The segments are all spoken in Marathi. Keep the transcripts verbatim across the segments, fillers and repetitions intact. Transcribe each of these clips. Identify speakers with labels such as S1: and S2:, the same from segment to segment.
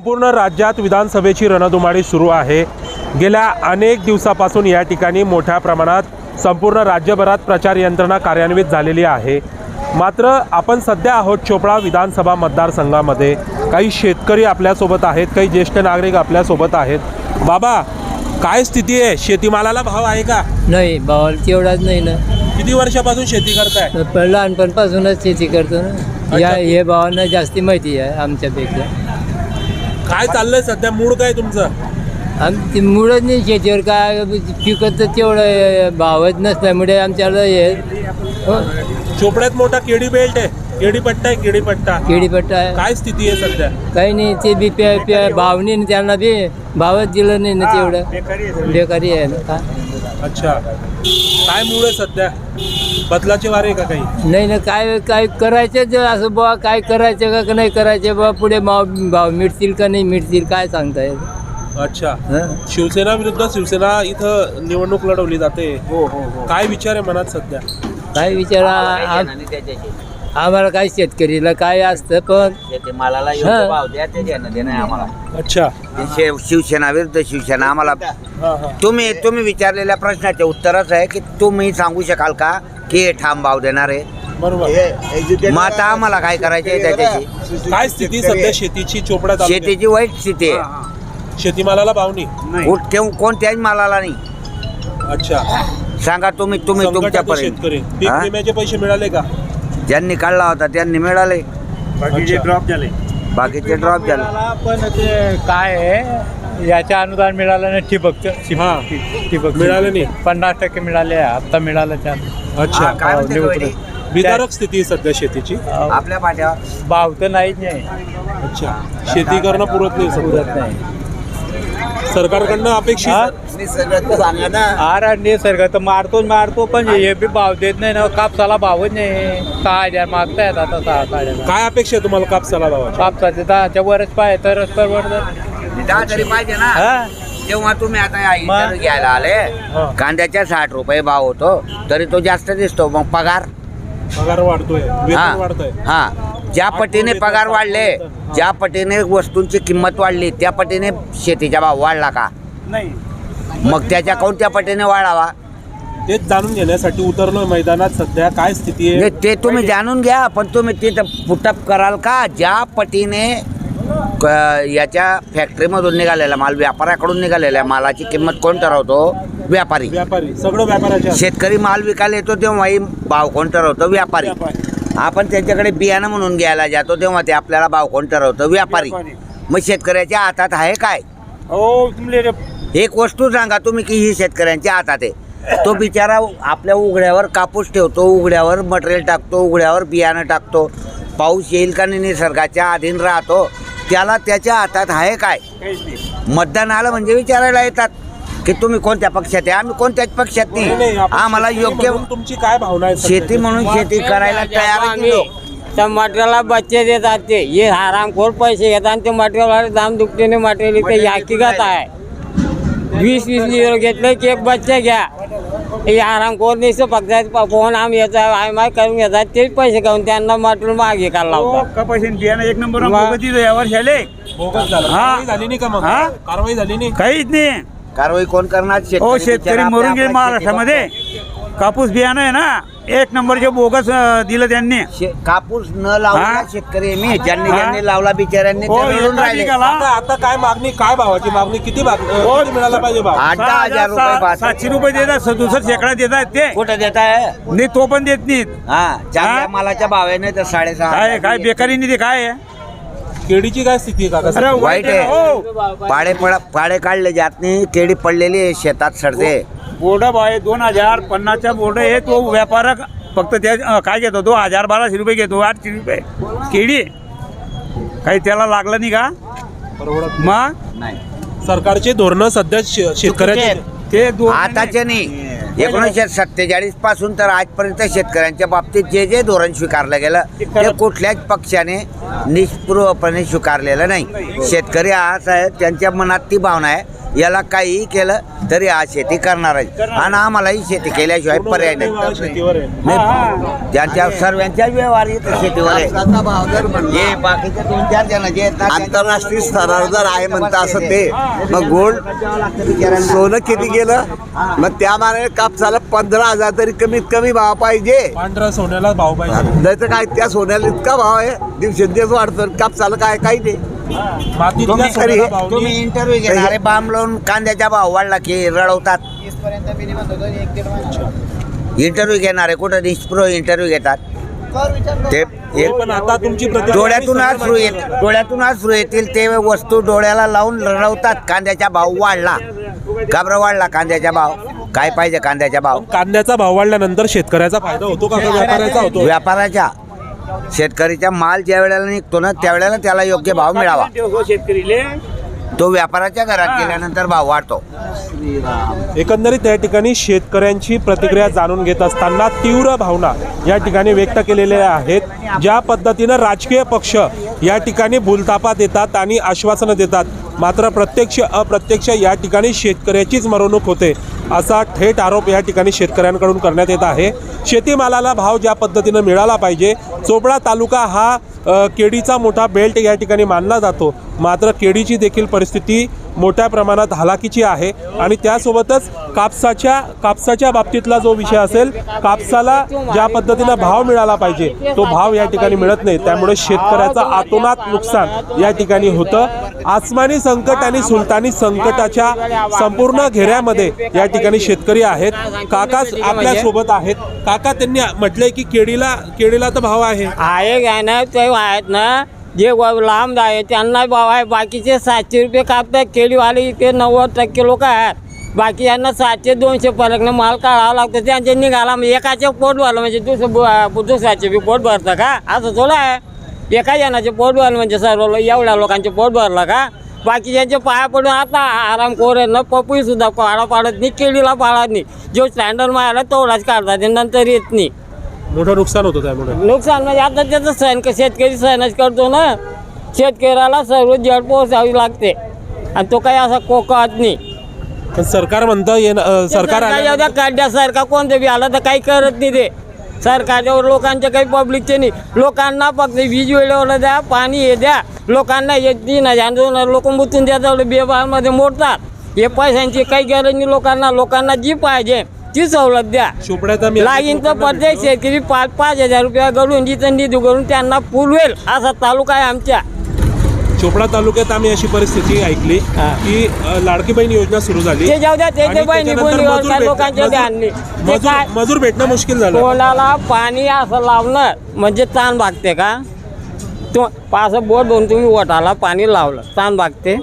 S1: संपूर्ण राज्यात विधानसभेची रणधुमाळी सुरू आहे। गेल्या अनेक दिवसापासून या ठिकाणी मोठ्या प्रमाणात संपूर्ण राज्यभरात प्रचार यंत्रणा कार्यान्वित झालेली आहे। मात्र आपण सध्या आहोत चोपडा विधानसभा मतदारसंघामध्ये। काही शेतकरी आपल्यासोबत आहेत, काही ज्येष्ठ नागरिक आपल्यासोबत आहेत। बाबा, काय स्थिती आहे? शेतीमालाला भाव आहे का?
S2: नाही, भाव तेवढाच नाही ना।
S1: किती वर्षापासून शेती करताय?
S2: लहानपणापासूनच शेती करतो ना। या हे भावांना जास्ती माहिती आहे आमच्यापेक्षा।
S1: काय चाललंय सध्या? मूड काय तुमचं?
S2: आमची मुळच नाही शेतीवर, काय पिकत तर तेवढं भावच नसल्यामुळे आमच्याला हे हो,
S1: चोपड्यात मोठा केडी बेल्ट आहे, केडी पट्टा आहे, केडी पट्टा
S2: केळीपट्टा आहे।
S1: काय स्थिती आहे सध्या?
S2: काही नाही, ते बी प्या प्या भाव नाही, त्यांना बी भावच दिलं नाही ना, तेवढं बेकारी आहे ना।
S1: अच्छा, काय मूड आहे सध्या? बदलाचे वारे का काही?
S2: नाही ना, काय काय करायचं असं बुवा, काय करायचं का नाही करायचं बुवा, पुढे भाव भाव मिळतील का नाही मिळतील काय सांगता येईल।
S1: अच्छा, शिवसेना विरुद्ध शिवसेना इथं निवडणूक लढवली जाते। हो हो हो काय विचार आहे मनात सध्या?
S2: काय विचारा आम्हाला काय शेतकरीला काय असतं, पण
S3: शेतीमालाला योग्य भाव द्या, ते देणं देणं आहे आम्हाला।
S1: अच्छा,
S3: शे- शिवसेना विरुद्ध शिवसेना आम्हाला तुम्ही तुम्ही विचारलेल्या प्रश्नाचे उत्तरच आहे की तुम्ही सांगू शकाल का की हे ठाम भाव देणार आहे?
S1: बरोबर।
S3: मग आता आम्हाला काय करायचं आहे त्याच्याशी?
S1: काय स्थिती सध्या शेतीची चोपड्यात?
S3: शेतीची वाईट स्थिती आहे,
S1: शेतीमालाला भाव नाही,
S3: कुठ- केव- कोणत्याही मालाला नाही।
S1: अच्छा,
S3: सांगा तुम्ही तुम्ही
S1: संकटाचे
S3: तुमच्यापर्यंत
S1: शेतकरी पीक
S3: हा?
S1: विम्याचे पैसे मिळाले का?
S3: ज्यांनी काढला होता त्यांनी मिळाले,
S1: बाकीचे ड्रॉप झाले।
S3: बाकीचे ड्रॉप झाले।
S4: पण ते काय आहे, याच्या अनुदान मिळालं नाही, ठिबक
S1: हा,
S4: ठिबक
S1: मिळाले नाही,
S4: पन्नास टक्के मिळाले, आता मिळालं त्या
S1: अच्छा,
S3: हा, काय म्हणते वहिनी?
S1: विदारक स्थिती आहे सध्या शेतीची।
S3: आपल्या पाठ्यावर
S4: भाव तर नाहीच नाही,
S1: अच्छा, शेती करणं पुरत नाही
S4: पुरत
S1: सध्या।
S4: नाही।
S1: सरकारकडनं अपेक्षित
S3: सांगा ना।
S4: आर निसर्ग तर मारतोच मारतो, पण हे बी भाव देत नाही ना। कापसाला भावच नाही, सहा हजार मागतायत आता, सहा साडे
S1: काय अपेक्षा आहे तुम्हाला कापसाला भावाची?
S4: कापसाचे दहाच्या वरच पाहिजे तरच परवडतं।
S3: दहा तरी पाहिजे ना।
S4: हा,
S3: जेव्हा तुम्ही आता या
S4: मग?
S3: इंटरव्ह्यू घ्यायला आले,
S1: हा.
S3: कांद्याच्या साठ रुपये भाव होतो तरी तो जास्त दिसतो। मग पगार
S1: पगार वाढतोय, वेतन
S3: हा
S1: वाढतंय।
S3: हा ज्या पटीने
S1: वेतन
S3: पगार वाढले,
S1: हा.
S3: ज्या पटीने वस्तूंची किंमत वाढली, त्या पटीने शेतीचा भाव वाढला का?
S4: नाही।
S3: मग त्याच्या कोणत्या पटीने वाढावा?
S1: तेच जाणून घेण्यासाठी उतरलोय मैदानात सध्या। काय स्थिती आहे?
S3: नाही, ते तुम्ही जाणून घ्या, पण तुम्ही तिथं पुटअप कराल का? ज्या पटीने क- याच्या फॅक्टरीमधून निघालेला माल, व्यापाऱ्याकडून निघालेल्या मालाची किंमत कोण ठरवतो? व्यापारी।
S1: व्यापारी, सगळं व्यापाऱ्याच्या
S3: शेतकरी माल विकायला येतो तेव्हाही भाव कोण ठरवतो? व्यापारी। आपण त्यांच्याकडे बियाणं म्हणून घ्यायला जातो तेव्हा ते आपल्याला भाव कोण ठरवतो? व्यापारी। मग शेतकऱ्याच्या हातात आहे काय?
S4: हो, तुमले
S3: एक वस्तू सांगा तुम्ही की ही शेतकऱ्यांच्या हातात आहे। तो बिचारा आपल्या उघड्यावर कापूस ठेवतो, उघड्यावर मटेरियल टाकतो, उघड्यावर बियाणं टाकतो, पाऊस येईल का नाही निसर्गाच्या अधीन राहतो, त्याला त्याच्या हातात आहे काय? मतदान आलं म्हणजे विचारायला येतात की तुम्ही कोणत्या पक्षात आहे? आम्ही कोणत्याच पक्षात
S1: नाही,
S3: नाही।
S1: आपण
S3: आम्हाला
S1: शेती
S3: योग्य
S1: म्हणून तुमची काय भावना आहे सध्या?
S3: शेती म्हणून शेती करायला तयार आहे लोक।
S2: त्या मटेरियलला बच्चे देतात, ते हे हरामखोर पैसे घेतात आणि ते मटेरियलवाले दाम दुपटीने मटेरियल इथे हकीकत आहे। वीस वीस लिटर घेतलं की एक बच्चे घ्या, हे हरामखोर नाही फक्त फोन आम याचा आय माय करून घेतात, तेच पैसे घेऊन त्यांना मटेरियल मागे काढला होता।
S4: कपाशी बियाणं एक नंबर
S2: मग?
S4: यावर झाले,
S1: बोगस झालं।
S4: हा.
S1: कारवाई झाली नाही का मग?
S4: हा?
S1: कारवाई झाली नाही?
S4: काहीच नाही।
S3: कारवाई कोण करणार?
S4: हो, शेतकरी
S3: बिचारा
S4: मरून
S3: आपल्या-
S4: गेले
S3: आपल्या
S4: महाराष्ट्रामध्ये। कापूस बियाणं आहे ना, एक नंबरचे बोगस अं, दिलं त्यांनी।
S3: शे- कापूस न लावला
S4: हा?
S3: शेतकरी आहे मी, ज्यांनी
S4: हा?
S3: ज्यांनी लावला बिचाऱ्यांनी
S4: हो,
S3: ते मिळून
S4: एका
S3: राहिले।
S4: ठिकाला
S1: आता आता काय मागणी, काय भावाची मागणी? किती भाग
S4: हो.
S1: किती मिळाला पाहिजे भाव?
S3: आठ दहा
S4: सहा
S3: हजार रुपये
S4: सा-
S3: बास.
S4: सातशे रुपये देतात, सदुसष्ट शेकडा देतात ते।
S3: कुठं देत आहे?
S4: नाही, तो पण देत नाहीत।
S3: हा चांगल्या
S4: हा?
S3: मालाच्या भावाने तर साडेसहा
S4: काय
S3: हजार
S4: काय
S3: देते.
S4: बेकारी नाही, ते काय आहे?
S1: केळीची काय स्थिती आहे काका?
S4: अरे
S3: वाईट आहे.
S4: हो,
S3: पाडे पड पाडे काढले जात नाही, केळी पडलेली आहे, शेतात सडते।
S4: बोर्ड आहे दोन हजार पन्नासचा बोर्ड आहे, तो व्यापार फक्त त्या अं, काय घेतो, तो हजार बाराशे रुपये घेतो, आठशे रुपये केळी। काही त्याला लागलं नाही का?
S1: परवडत
S4: मग
S3: नाही
S1: सरकारचे धोरणं सध्या शे- शेतकऱ्याचे
S4: ते दोन
S3: आताचे नाही, एकोणीसशे सत्तेचाळीस पासून तर आजपर्यंत शेतकऱ्यांच्या बाबतीत जे जे धोरण स्वीकारलं गेलं ते कुठल्याच पक्षाने निष्पूर्वपणे स्वीकारलेलं नाही। शेतकरी हा आहे, त्यांच्या मनात ती भावना आहे याला काहीही केलं तरी हा शेती करणार आहे आणि आम्हालाही शेती केल्याशिवाय पर्याय नाही.
S1: शेतीवर आहे.
S3: नाही, ज्यांच्या सर्वांच्या व्यवहार येतं शेतीवर आहे. हे बाकीचे दोन चार जण जे आहेत ना,
S5: आंतरराष्ट्रीय स्तरावर जर आहे म्हणता असं ते मग गोल्ड सोनं किती गेलं मग त्या मानाने कापसाला पंधरा हजार तरी कमीत कमी भाव पाहिजे.
S1: पांढऱ्या सोन्याला भाव पाहिजे.
S5: नाही तर काय त्या सोन्याला इतका भाव आहे दिवसेंदिवस वाढतं कापसाला काय काही नाही.
S1: मातीतल्या
S3: तुम्ही
S1: सोन्याला भाव
S3: तुम्ही
S1: नाही.
S3: इंटरव्ह्यू घेणारे बांब लावून कांद्याचा भाव वाढला की रडवतात. इंटरव्ह्यू घेणारे कुठं निष्प्रो इंटरव्ह्यू घेतात ते एक
S1: पण आता तुमची प्रतिक्रिया
S3: डोळ्यातून
S1: मी
S3: अश्रू येत डोळ्यातून अश्रू येतील ते वस्तू डोळ्याला लावून रडवतात. कांद्याचा भाव वाढला, घाबरा वाढला कांद्याचा भाव. काय पाहिजे कांद्याचा भाव?
S1: कांद्याचा भाव वाढल्यानंतर शेतकऱ्याचा फायदा होतो का व्यापाऱ्याचा होतो?
S3: व्यापाराच्या शेतकरीचा माल ज्या वेळेला निघतो ना त्यावेळेला त्याला योग्य भाव मिळावा.
S4: शेतकरीले
S3: तो व्यापाराच्या घरात गेल्यानंतर भाव वाढतो.
S1: एकंदरीत त्या ठिकाणी शेतकऱ्यांची प्रतिक्रिया जाणून घेत असताना तीव्र भावना या ठिकाणी व्यक्त केलेल्या आहेत. ज्या पद्धतीनं राजकीय पक्ष या ठिकाणी भूलथापा देतात आणि आश्वासनं देतात, मात्र प्रत्यक्ष अप्रत्यक्ष या ठिकाणी शेतकऱ्याचीच मरवणूक होते असा थेट आरोप या ठिकाणी शेतकऱ्यांकडून करण्यात येत आहे. शेतीमालाला भाव ज्या पद्धतीनं मिळाला पाहिजे, चोपडा तालुका हा अ, केळीचा मोठा बेल्ट या ठिकाणी मानला जातो, मात्र केळीची देखील परिस्थिती मोठ्या प्रमाणात हालाकीची आहे. आणि त्यासोबतच कापसाच्या कापसाच्या बाबतीतला जो विषय असेल, कापसाला ज्या पद्धतीनं भाव मिळाला पाहिजे तो भाव या ठिकाणी मिळत नाही. त्यामुळे शेतकऱ्याचं आतोनात नुकसान या ठिकाणी होतं. आसमानी संकट आणि सुलतानी संकटाच्या संपूर्ण घेऱ्यामध्ये या ठिकाणी शेतकरी आहेत. काका आपल्या सोबत आहेत. काका त्यांनी म्हटलंय की केळीला केळीला तर भाव आहे.
S2: आहे काय ना ते आहेत ना जे व- लांब आहे त्यांना भाव आहे. बाकीचे सातशे रुपये कापतात केळीवाले. इथे नव्वद टक्के लोक आहेत. बाकी यांना सातशे दोनशे पर्यंत माल काढावा लागतो. त्यांचे निघाला म्हणजे एकाचे पोट भरलं म्हणजे दुसरं ब- दुसऱ्याचे बी पोट भरतं का? असं थोडं आहे. एका जणाचे पोट भरलं म्हणजे सर्व लो- एवढ्या लोकांचे पोट भरलं का? बाकीच्यांचे पाया पडून आता आराम कोरे न पपई सुद्धा पाडा पाडत नाही, केळीला पाडत नाही. जो स्टँडर्ड मारायला तेवढाच काढतात नंतर येत नाही.
S1: मोठं नुकसान होतं त्यामुळे.
S2: नुकसान म्हणजे आता त्याचं सहन शेतकरी सहनच करतो ना. शेतकऱ्याला सर्व जड पोहोचावी लागते आणि तो काही असा कोकत नाही.
S1: पण सरकार म्हणतं ये सरकार आलं-
S2: एवढ्या काढण्यासारखा कोणतं बी आलं तर काही करत नाही ते. सरकारच्या लोकांच्या काही पब्लिकचे नाही. लोकांना फक्त वीज वेळेवर द्या, पाणी हे द्या. लोकांना हे तीन हजार दोन हजार लोक मुतून द्या तेवढे बेबारमध्ये मोडतात. हे पैशांची काही गरज नाही लोकांना. लोकांना जी पाहिजे ती सवलत द्या.
S1: चोपड्यात आम्ही
S2: लागीन तर प्रत्येक शेतकरी पाच पाच हजार रुपया घडून जिथं निधी करून त्यांना पुरवेल असा तालुका आहे आमच्या.
S1: चोपडा तालुक्यात आम्ही अशी परिस्थिती ऐकली
S2: हा.
S1: की अ, लाडकी बहीण योजना सुरू झाली
S2: ते जाऊ द्या
S1: आणि
S2: त्याचे बहिणी
S1: त्याच्यानंतर
S2: बोली
S1: मजूर
S2: काय
S1: भेट-
S2: लोकांच्या
S1: मजूर-
S2: ध्यान नाही. ते
S1: मजूर
S2: काय
S1: मजूर भेटणं मुश्किल झालं.
S2: कोणाला पाणी असं लावणं म्हणजे ताण भागते का? तो असं बोट धरून तुम्ही ओठाला पाणी लावलं ताण भागते.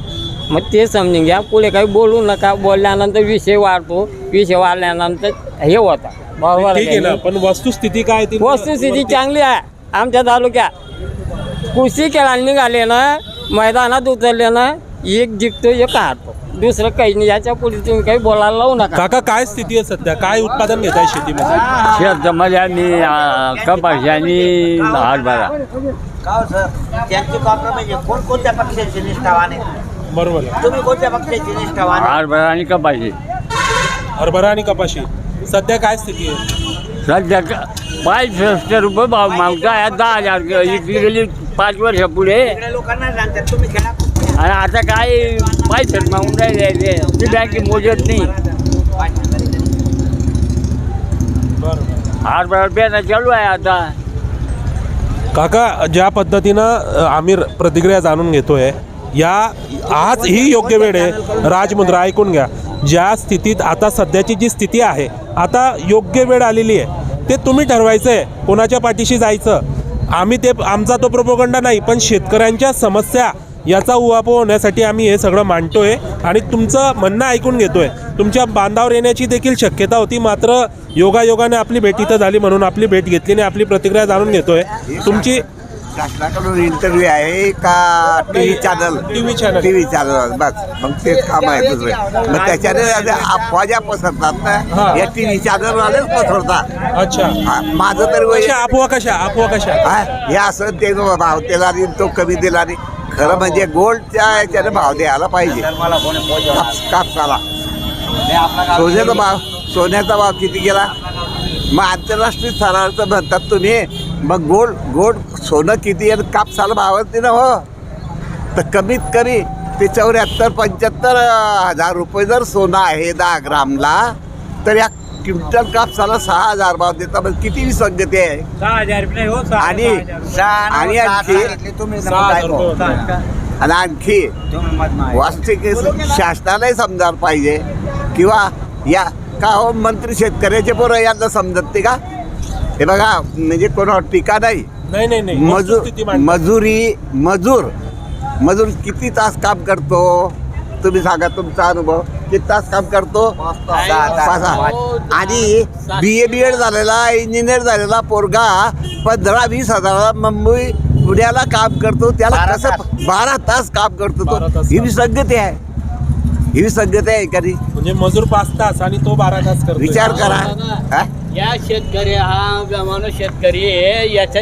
S2: मग ते समजून घ्या. पुढे काही बोलू नका. बोलल्यानंतर विषय वाढतो. विषय वाढल्यानंतर हे होता बरोबर
S1: ठीक आहे ना,
S2: आहे.
S1: पण वस्तुस्थिती काय ती
S2: वस्तुस्थिती चांगली आहे आमच्या तालुक्यात. कुस्ती खेळायला निघाले ना, मैदानात उतरले ना, एक जिंकतो एक हारतो. दुसरं काही नाही. याच्या पुढे तुम्ही काही बोलायला लावू नका.
S1: काका काय स्थिती आहे सध्या? काय उत्पादन घेताय शेतीमध्ये?
S6: शेतामध्ये आणि कपाशी आणि हरभरा.
S3: का हो सर, त्यांची कॉम्प्रोमाइज आहे. कोणकोणत्या पक्षाची निष्ठावान आहे?
S1: बरोबर आहे.
S3: तुम्ही कोणत्या पक्षाची निष्ठावान आहे?
S6: हरभरा आणि कपाशी.
S1: हरभरा आणि कपाशी सध्या काय स्थिती आहे?
S6: सध्या पाचशे रुपये भाव मागता दहा हजार इकली गेली पाच वर्षापुढे.
S3: सगळ्या लोकांना सांगतात तुम्ही खेळा.
S6: आणि आता काय पैसे मागून राहिले ती बँके मोजत नाही.
S1: बरोबर.
S6: हरभरा पेरणं चालू आहे आता.
S1: काका ज्या पद्धतीनं अ, आम्ही र- प्रतिक्रिया जाणून घेतोय, या आज ही योग्य वेळ आहे. राजमुद्रा ऐकून घ्या. ज्या स्थितीत आता सध्याची जी स्थिती आहे, आता योग्य वेळ आलेली आहे. ते तुम्ही ठरवायचं आहे कोणाच्या पाठीशी जायचं. आम्ही ते आमचा तो प्रोपोगंडा नाही, पण शेतकऱ्यांच्या समस्या याचा उहापोह होण्यासाठी आम्ही हे सगळं मांडतोय आणि तुमचं म्हणणं ऐकून घेतोय. तुमच्या बांधावर येण्याची देखील शक्यता होती, मात्र योगायोगाने आपली भेट इथं झाली म्हणून आपली भेट घेतली आणि आपली प्रतिक्रिया जाणून घेतोय. तुमची
S5: शासनाकडून इंटरव्ह्यू आहे का T V channel?
S1: TV channel.
S5: T V channel बस मग तेच काम आहे दुसरे. मग त्याच्याने अफवा ज्या पसरतात
S1: हा.
S5: ना या टी व्ही चॅनलवालेच पसरतात.
S1: अच्छा,
S5: हा, माझं तरी वय
S1: कशा अफवा कशा अफवा कशा
S5: हा, हे असं ते भाव त्याला आणि तो कमी दिला आणि खरं म्हणजे गोल्डच्या याच्याने भाव द्यायला पाहिजे काप कापसाला. सोन्याचा भाव सोन्याचा भाव किती गेला? मग आंतरराष्ट्रीय स्तरावरचं म्हणतात तुम्ही, मग गोल्ड गोल्ड सोनं किती आणि कापसाला भावच नाही ना हो. तर कमीत कमी ते चौऱ्याहत्तर पंच्याहत्तर हजार रुपये जर सोनं आहे दहा ग्रामला, तर या क्विंटल कापसाला सहा हजार भाव देता. मग किती विसंगती आहे. आणि आणि आणखी
S3: तुम्ही
S5: आणि आणखी वास्तविक शासनालाही समजायला पाहिजे किंवा या का हो मंत्री शेतकऱ्याचे पोरं यांना समजत ते का? हे बघा म्हणजे कोणावर टीका नाही.
S1: नाही नाही नाही
S5: मजूर
S1: वस्तुस्थिती मांडतो.
S5: मजुरी मजूर मजूर किती तास काम करतो तुम्ही सांगा तुमचा अनुभव. किती तास काम करतो? पाच सहा. आणि बी ए बी एड झालेला इंजिनियर झालेला पोरगा पंधरा वीस हजाराला मुंबई पुण्याला काम करतो. त्याला कसं बारा तास काम करतो
S1: बारा
S5: तो.
S1: तास
S5: ही विसंगती आहे. ही विसंगती आहे कधी
S1: म्हणजे मजूर पाच तास आणि तो बारा तास करतो.
S5: विचार करा. हा?
S6: या शेतकरी हा माणूस शेतकरी आहे याच्या